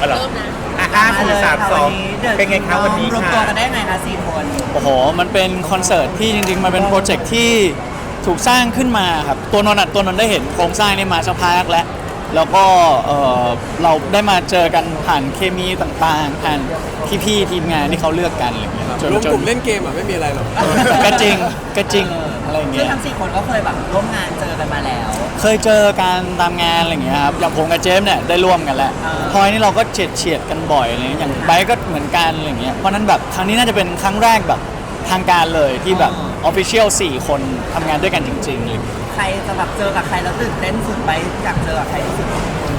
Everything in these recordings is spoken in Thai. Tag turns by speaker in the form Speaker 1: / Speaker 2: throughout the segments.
Speaker 1: เหรอ
Speaker 2: เริ่มนะ
Speaker 1: 5 4 3 2เป็นไงครับวันนี้
Speaker 3: รวม
Speaker 1: ค่ะ
Speaker 3: ตัวกันได้ไงคะ4 คน
Speaker 4: โอ้โหมันเป็นคอนเสิร์ตที่จริงๆมันเป็นโปรเจกต์ที่ถูกสร้างขึ้นมาครับตัวนนท์ได้เห็นโครงสร้างนี้มาสักพักแล้วก็เราได้มาเจอกันผ่านเคมีต่างๆผ่านพี่ๆทีมงานที่เขาเลือกกันอะไรอย่างเงี้ย
Speaker 5: รวมกลุ่มเล่นเกมอ่ะไม่มีอะไรหรอก
Speaker 4: ก็จริงอะไรอย่าง
Speaker 3: ซึ่
Speaker 4: เงี้
Speaker 3: ง
Speaker 4: ย
Speaker 3: ทั้ง4 คนก็เคยแบบร่วมงานเจอกันมาแล้ว
Speaker 4: เคยเจอการตามงานอะไรอย่างเงี้ยครับอย่างผมกับเจฟเนี่ยได้ร่วมกันแล้ว
Speaker 3: อ่า
Speaker 4: พลอยนี่เราก็เฉียดกันบ่อยอะไรเงี้ยอย่างไบร์ทก็เหมือนกันอะไรเงี้ยเพราะนั้นแบบครั้งนี้น่าจะเป็นครั้งแรกแบบทางการเลยที่แบบออฟฟิเชียล4 คนทำงานด้วยกันจริงๆอะไรเงี้ย
Speaker 3: ใครจะแบบเจอกับใครแล้วตื่นเต้นสุดไปอยากเจอกับใครที่สุด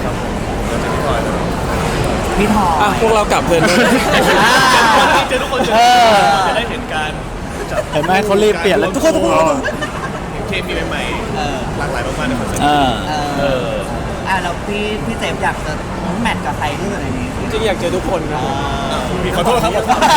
Speaker 3: พี่ทอ
Speaker 5: อ่ะ
Speaker 3: ย
Speaker 5: พวกเรากลับเถอะ
Speaker 1: เจอทุกคนจะได้เห็นการ
Speaker 4: เห็นไหมเขารีบเปลี่ยนแล้วทุกคน
Speaker 1: เคมีใหม่ๆหลากหลายมากๆในคอนเสิร์ต
Speaker 3: แล้วพี่เจมส์อยากจะแมทกับใครที่สุดในนี้
Speaker 5: จริงๆอยากเจอทุกคนครับ
Speaker 1: มีขอโทษครับ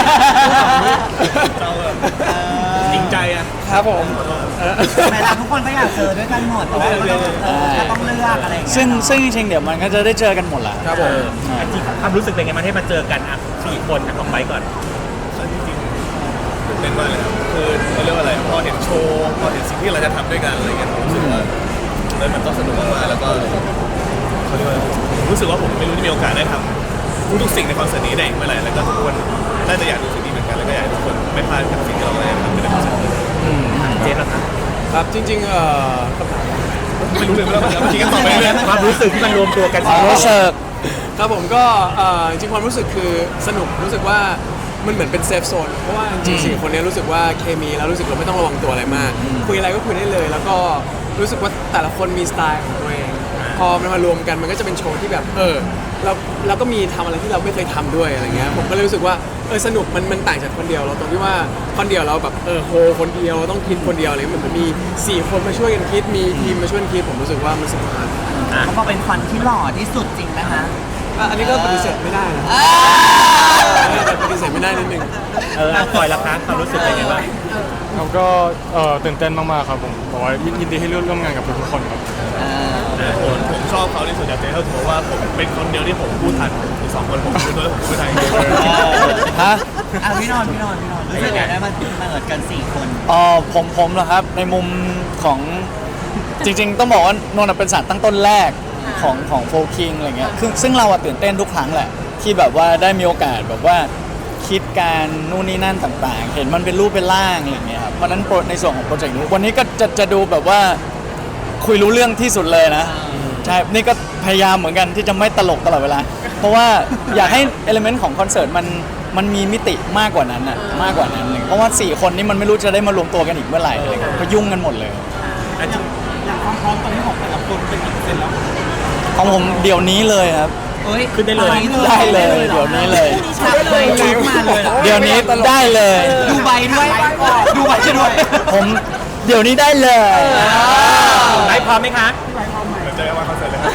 Speaker 1: เราจริงใจอ่ะ
Speaker 5: ครับผม
Speaker 3: แม้ทุกคนก็อยากเจอด้วยกันหมดแต่ว่าก็ต้องเลือกอะไรอย่างเงี้ย
Speaker 4: ซึ่งจริงๆเดี๋ยวมันก็จะได้เจอกันหมดแหละ
Speaker 5: ครับผม
Speaker 1: จริงความรู้สึกเป็นไงมันให้มาเจอกันอ่ะ4 คนของไบค์ก่อนจริงๆตื่นเต้นมากเลยครับคือเขาเรียกว่าอะไรพอเห็นโชว์พอเห็นสิ่งที่เราจะทำด้วยกันอะไรเงี้ยผมรู้สึกว่ามันต้องสนุกมากๆแล้วก็เขาเรียกว่ารู้สึกว่าผมไม่รู้ที่มีโอกาสได้ทำทุกสิ่งในคอนเสิร์ตนี้ได้อีกเมื่อไหร่แล้วก็ทุกคนน่าจะอยากดูสิ่งนี้เหมือนกันแล้วก็อยากให้ทุกคนไม่พลาดกับสิ่งที่เราได้ทำในคอนเสิร์ตนี้เจฟนะครับ
Speaker 5: ครับจริง
Speaker 1: ไม่รู้เลยว่าเมื่อกี้ก็ตอบไปเรื่อยความรู้สึกที่มันรวมตัวกัน
Speaker 4: รู้สึก
Speaker 5: ครับผมก็จริงๆความรู้สึกคือสนุกรู้สึกว่ามันเหมือนเป็นเซฟโซนเพราะว่าจริงๆ4 คนนี้รู้สึกว่าเคมีแล้วรู้สึกเราไม่ต้องระวังตัวอะไรมาก คุยอะไรก็คุยได้เลย แล้วก็รู้สึกว่าแต่ละคนมีสไตล์ของตัวเอง พอมันมารวมกันมันก็จะเป็นโชว์ที่แบบเราก็มีทำอะไรที่เราไม่เคยทำด้วยอะไรเงี้ยผมก็เลยรู้สึกว่าสนุกมันต่างจากคนเดียวเราตรงที่ว่าคนเดียวเราแบบโฮคนเดียวต้องคิดคนเดียวอะไรเหมือนมันมี4 คนมาช่วยกันคิดมีทีมมาช่วยกันคิดผมรู้สึกว่ามันสนุกมาก
Speaker 3: เขาบอกเป็นควันที่หล่อที่สุดจริงนะคะ
Speaker 5: อันนี้ก็ปฏิเสธไม่ได้นะปฏิเสธไม่ได้นิดนึง
Speaker 1: ปล่อยละครับความรู้สึกเป็นไงบ้าง
Speaker 6: ครับก็ตื่นเต้นมากๆครับผมบอกว่ายินดีให้ร่วมงานกับทุกๆคนครับ
Speaker 1: ผมชอบเขาที่สุดจากเจเขาถือว่าผมเป็นคนเดียวที่ผมพูดทันอีก2 คนผมพูดด้วยแล้วผมพูดไทย
Speaker 4: ฮะ
Speaker 3: พี่นนท์รู้สึกไงได้มาเกิดกัน4 คน
Speaker 4: ผมเหรอครับในมุมของจริงๆ ต้องบอกว่านนท์เป็นสารตั้งต้นแรกของโฟคิงอะไรเงี้ยซึ่งเราตื่นเต้นทุกครั้งแหละที่แบบว่าได้มีโอกาสแบบว่าคิดการนู่นนี่นั่นต่างๆ เห็นมันเป็นรูปเป็นร่างอะไรเงี้ยครับเพราะนั้นในส่วนของโปรเจกต์นี้วันนี้ก็จะดูแบบว่าคุยรู้เรื่องที่สุดเลยนะใช่นี่ก็พยายามเหมือนกันที่จะไม่ตลกตลอดเวลาเพราะว่าอยากให้เอลิเมนต์ของคอนเสิร์ตมันมีมิติมากกว่านั้นอ่ะมากกว่านั้นเลยเพราะว่า4 คนนี้มันไม่รู้จะได้มารวมตัวกันอีกเมื่อไหร่อะไรเงี้ยก็ยุ่งกันหมดเลย
Speaker 3: อย่างความพร้อมตอนนี้ของแต่ละคนเป็นกี่เปอร์เซ็นต์แล้ว
Speaker 4: ของผมเดี๋ยวนี้เลยครับ
Speaker 1: ขึ้นได้เลย
Speaker 4: ได้เลยเดี๋ยวนี้เลย
Speaker 3: ชัดเลยชุดมาเลย
Speaker 4: เดี๋ยวนี้ได้เลย
Speaker 3: ดูใบด้วยดูใบด้วย
Speaker 4: ผมเดี๋ยวนี้ได้เลย
Speaker 1: ไบพร้อมไหมคะเจอกันวันคอนเสิร์ตเลยครับ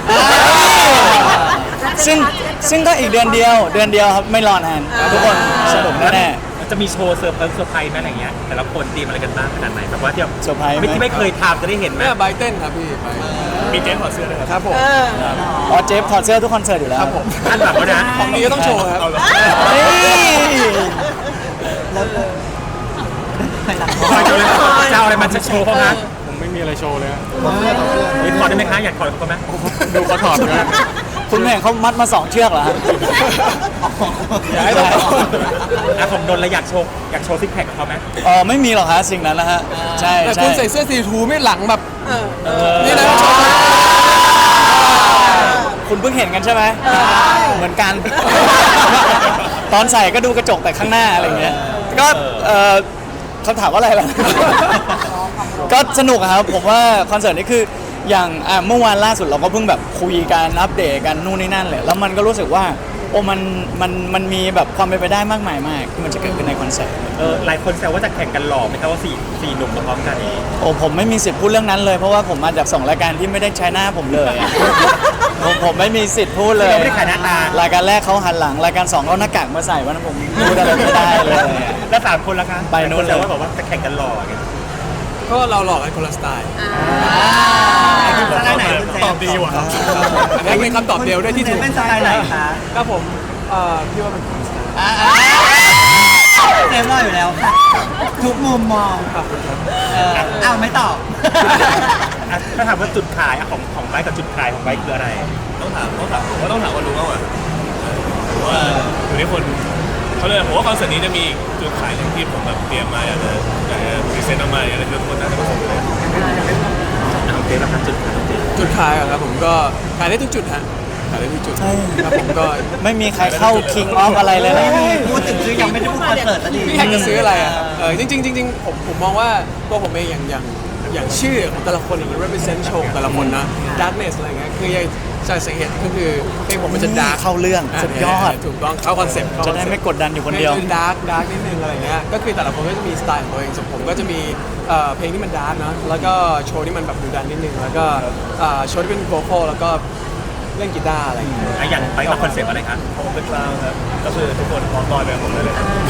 Speaker 4: ซึ่งก็อีกเดือนเดียวครับไม่รอนานทุกคนสนุกแน่
Speaker 1: จะมีโชว์เซอร์ไพรส์ไหมอะไรเงี้ยแต่ละคนเตรียมอะไรกันบ้างขนาดไหนแบบว่าที่
Speaker 4: ๆเซอร์ไพรส์ไหม
Speaker 1: ที่ไม่เคยทำจะได้เห็นไหม
Speaker 5: แม่ใบเต้นครับพี่ไป
Speaker 1: มีเจนถอดเสื้อด้วย
Speaker 5: ครับผม
Speaker 4: อ๋อเจฟถอดเสื้อทุกคอนเสิร์ตอยู่แล้ว
Speaker 5: ครับผม
Speaker 1: อันแบบว่านะ
Speaker 5: ของดีก็ต้องโชว์ครับ
Speaker 1: เอาเหรอ
Speaker 4: เฮ้ย
Speaker 1: จะเอาอะไรมาโชว์เขาคะ
Speaker 6: ผมไม่มีอะไรโชว์เลยฮะ
Speaker 1: ถอดได้ไหมคะอยากถอดเขาไหม
Speaker 6: ดูเขาถอดเลย
Speaker 4: คุณแม่เขามัดมา2 เชือกเหรอฮะ
Speaker 5: อยากให้เรา
Speaker 1: ผมโดนแล้วอยากโชว์ซิกแพคกับเขาไหม
Speaker 4: ไม่มีหรอกฮะสิ่งนั้นนะฮะใช่
Speaker 5: แต่
Speaker 4: ใช่
Speaker 5: คุณใส่เสื้อสีทูไม่หลังแบบนี่นะโชว์
Speaker 4: คุณเพิ่งเห็นกันใช่ไหมเหมือนกัน ตอนใส่ก็ดูกระจกแต่ข้างหน้าอะไรเงี้ยก็คำถามว่าอะไรล่ะ ก็สนุกอะครับผมว่าคอนเสิร์ตนี้คืออย่างเมื่อวานล่าสุดเราก็เพิ่งแบบคุยกันอัปเดตกันนู่นนี่นั่นเลยแล้วมันก็รู้สึกว่าโอ้มันมีแบบความเป็นไปได้มากมายมากที่มันจะเกิดขึ้นในคอนเสิร์ต
Speaker 1: หลายคนแซวว่าจะแข่งกันหล่อไหมครับว่าสี่หนุ่มมาพร้อมกันนี้
Speaker 4: โอ้ผมไม่มีสิทธิ์พูดเรื่องนั้นเลยเพราะว่าผมมาจาก2 รายการที่ไม่ได้ใช้หน้าผมเลยอะ ผมไม่มีสิทธิ์พูดเลย
Speaker 1: เราไม่ได้ขายหน้าตาร
Speaker 4: ายการแรกเขาหันหลังรายการ2เขาหน้ากากมาใส่วันนั้นผมพูดอะไรไม่ได้เลยอะ
Speaker 1: แล้ว3 คนละคะ
Speaker 4: ไปนู่นเลย
Speaker 1: แซวว่าบอกว่าจะแข่งกันหล่อไง
Speaker 5: ก็เราหลอกกันคนละสไตล์
Speaker 3: สไตล์ไหนคุณเซฟ
Speaker 1: ตอบดีว่ะ
Speaker 5: อันนี้เป็นคำตอบเดียวด้วยที่
Speaker 3: เซ
Speaker 5: ถู
Speaker 3: ฟ
Speaker 5: ก
Speaker 3: เป็นสไตล์ไหนคะ
Speaker 5: ก็ผมพี่ว่าเป็นคนละสไตล์
Speaker 3: เซฟรออยู่แล้วค่ะทุกมุมมอง
Speaker 5: ขอบคุณครับ
Speaker 3: อ้าวไม่ตอบ
Speaker 2: ถ้าถามว่าจุดขายของไบค์กับจุดขายของไบค์คืออะไร
Speaker 1: ต้องถามผมว่าต้องถามคนรู้มากกว่าเพราะว่าอยู่ที่คนเขาเลยผมว่าคอนเสิร์ตนี้จะมีจุดขายหนึ่งที่ผมแบบเตรียมมาอยากจะพรีเซนต์ออกมาอยากจะทุกคนน่าจะประสบเลย
Speaker 2: โอเคแล้วครับจุดขายของเจ
Speaker 5: จุดขายอะครับผมก็ขายได้ทุกจุดฮะขายได้ทุกจุดครับผมก็
Speaker 4: ไม่มีใครเข้า King of อะไรเลยนะ
Speaker 3: พูดถึงคือยังไม่ได้พูดคอนเสิร์ตสักที
Speaker 5: พี่อยากจะซื้ออะไรอ่ะจริงๆจริงๆผมมองว่าตัวผมเองอย่างชื่อของแต่ละคนอย่าง represent โชว์แต่ละคนนะ darkness อะไรเงี้ยคืออย่างจากสาเหตุก็คือเพลงผมมันจะ dark
Speaker 4: เข้าเรื่องสุดยอด
Speaker 5: ถูกต้องเข้าคอนเซ็ปต์
Speaker 4: จะได้ไม่กดดันอยู่คนเดียว
Speaker 5: ดาร์กนิดนึงอะไรเงี้ยก็คือแต่ละคนก็จะมีสไตล์ของตัวเองส่วนผมก็จะมีเพลงที่มันดาร์กนะแล้วก็โชว์ที่มันแบบดุดันนิดนึงแล้วก็โชว์ที่เป็นโวคอลแล้วก็เล่นกีตาร์อะไรอย่างเงี้ย
Speaker 2: อย่างไบค์กับคอนเซ็ปต์อะไรครับ
Speaker 1: ผมเป็นคลาวน์ครับก็คือทุกคนพร้อมลอยไปกับผมได้เลย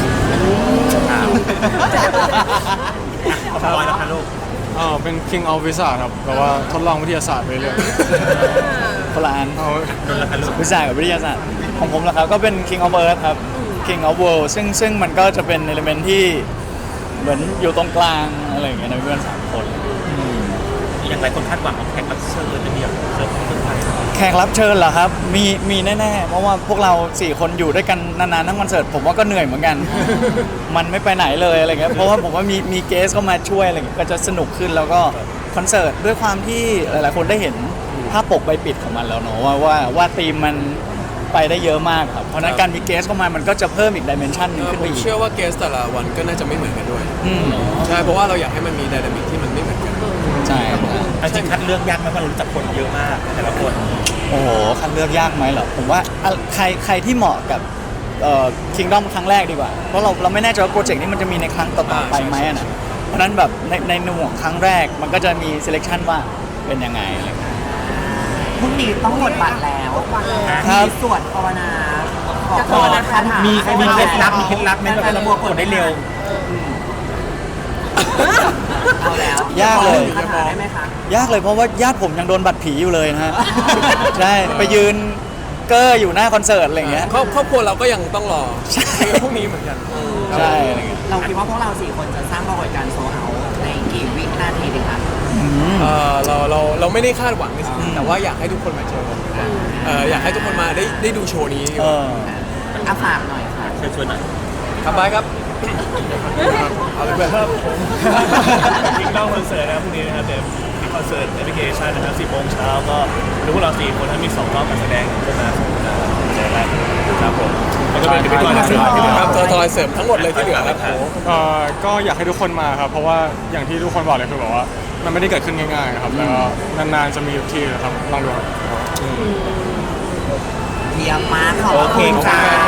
Speaker 2: ของบอยนะคะลูก
Speaker 6: เป็น King of Wizard ครับแบบว่าทดลองวิทยาศาสตร์ไปเรื่อย
Speaker 4: คนละอัน
Speaker 6: เอา
Speaker 2: นนท์ละคะลูก
Speaker 4: วิทยาศาสตร์กับวิทยาศาสตร์ของผมนะครับก็เป็น King of Earth ครับ King of World ซึ่งมันก็จะเป็นเอลิเมนที่เหมือนอยู่ตรงกลางอะไรอย่างเงี้ยนะเพื่อน3 คน
Speaker 2: อย่างไรคนคาดหวังของแขกรับเชิญจะมีแบบเซอร์ไพรส์
Speaker 4: แขกรับเชิญเหรอครับ มีแน่ๆ เพราะว่าพวกเรา 4 คนอยู่ด้วยกันนานๆทั้งคอนเสิร์ตผมว่าก็เหนื่อยเหมือนกัน มันไม่ไปไหนเลยอะไรเงี้ยเพราะว่าผมว่ามีเกสเข้ามาช่วยอะไรเงี้ยก็จะสนุกขึ้นแล้วก็คอนเสิร์ตด้วยความที่หลายๆคนได้เห็นภาพปกใบปิดของมันแล้วเนอะว่าธีมมันไปได้เยอะมากครับเพราะฉะนั้นการมีเกสเข้ามามันก็จะเพิ่มอีกดิเมนชันนึงขึ้น
Speaker 5: ผ
Speaker 4: ไป
Speaker 5: ม
Speaker 4: อีก
Speaker 5: เชื่อว่าเกสแต่ละวันก็น่าจะไม่เหมือนกันด้วย
Speaker 4: อืม
Speaker 5: ใช่เพราะว่าเราอยากให้มันมีไดนามิกที่มันไม่เหมือนกัน
Speaker 4: ใช่
Speaker 2: จริงคัดเลือกยากไหมเพราะเรารู้จักคนเยอะมากแต่ละคน
Speaker 4: โอ้โหคัดเลือกยากไหมเหรอผมว่าใครที่เหมาะกับKingdom ครั้งแรกดีกว่าเพราะเราไม่แน่ใจว่าโปรเจกต์นี้มันจะมีในครั้งต่อๆไปไหมอะนะเพราะฉะนั้นแบบในหน่วงครั้งแรกมันก็จะมี selection ว่าเป็นยังไงอะไรเงี้ย
Speaker 3: พรุ่งนี้ต้องหมดบัตรแล้ว
Speaker 4: ครับ
Speaker 3: มีสวดภาวนาขอพรคาถา
Speaker 2: มี
Speaker 3: มี
Speaker 2: เคล็ดลับไหมแบบระบบกดได้เร็ว
Speaker 3: เอาแล้ว
Speaker 4: ยากเลย
Speaker 3: คาถาได้ไหมคะ
Speaker 4: ยากเลยเพราะว่าญาติผมยังโดนบัตรผีอยู่เลยนะฮะ ใช่ไปยืนเก้ออยู่หน้าคอนเสิร์ตอะไรเงี้ย
Speaker 5: ครอบครัวเราก็ยังต้องรอพวกนี้เหมือนกัน
Speaker 4: ใช่อะไรเงี้ย
Speaker 3: เราคิดว่าพวกเรา4 คนจะสร้างปรากฏการณ์โซลเอาท์ในกี่วินาทีดีคะ
Speaker 5: เราไม่ได้คาดหวังในสิ่งนั้นแต่ว่าอยากให้ทุกคนมาเจออยากให้ทุกคนมาได้ดูโชว์นี้
Speaker 3: อาฝากหน่อยค่ะ
Speaker 2: เชิญชวนหน่อย
Speaker 5: ครับบายครับเอาเลยเพื่อน
Speaker 1: ครับผมยิงเล่าคอนเสิร์ตนะครับพรุ่งนี้นะครับเดี๋ยวมีคอนเสิร์ตแอปพลิเคชันนะครับ10 โมงเช้าก็รู้พวกเรา4 คนทั้งมี2 รอบการแสดงขึ้นมาในแรกครับผมแล้วก็เป็นพิธีกรเสริมที่เหลือ
Speaker 5: ครับตัวเสริมทั้งหมดเลยที่เหลือครับ
Speaker 6: ก็อยากให้ทุกคนมาครับ เพราะว่าอย่างที่ทุกคนบอกเลยคือแบบว่ามันไม่ได้เกิดขึ้นง่ายๆครับแล้วก็นานๆจะมีทีนะครับลองดูครับ
Speaker 3: เยี่ยมมากขอบ
Speaker 2: โอเค
Speaker 3: คุณ
Speaker 2: ค่ะ
Speaker 3: ค่ะ